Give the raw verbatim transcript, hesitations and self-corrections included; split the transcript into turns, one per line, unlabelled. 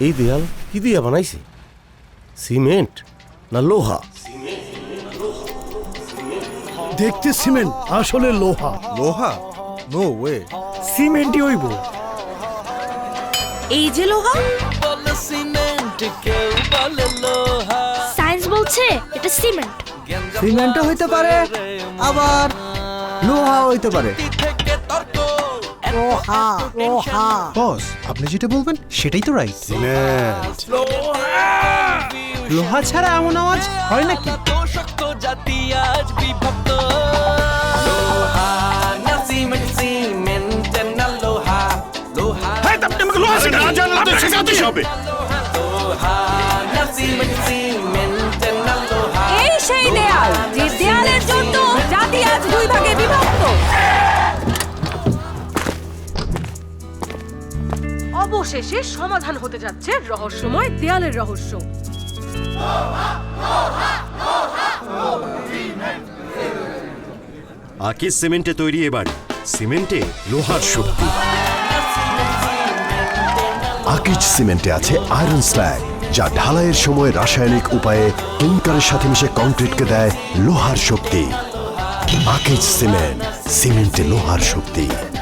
এই দেয়াল কি দিয়া বানাইছে? সিমেন্ট না লোহা?
দেখতে সিমেন্ট, আসলে লোহা।
লোহা? No way.
সিমেন্টই হইব।
এই যে লোহা,
সায়েন্স বলছে এটা সিমেন্ট।
সিমেন্টও হইতে পারে, আবার লোহা হইতে পারে। লোহা লোহা
বস, আপনি যেটা বলবেন সেটাই তো রাইট।
সিমেন্ট।
লোহা ছাড়া এমন আওয়াজ হয় নাকি?
এই সেই দেয়াল যে দেয়ালের জন্য জাতি আজ দুই ভাগে বিভক্ত। অবশেষে সমাধান হতে যাচ্ছে রহস্যময় দেয়ালের রহস্য।
আকিজ সিমেন্টে তৈরি এবার সিমেন্টে লোহার শক্তি।
আকিজ সিমেন্টে আছে আয়রন স্ল্যাগ, যা ঢালাইয়ের সময় রাসায়নিক উপায়ে ক্লিংকারের সাথে মিশে কংক্রিটকে দেয় লোহার শক্তি। আকিজ সিমেন্ট, সিমেন্টে লোহার শক্তি।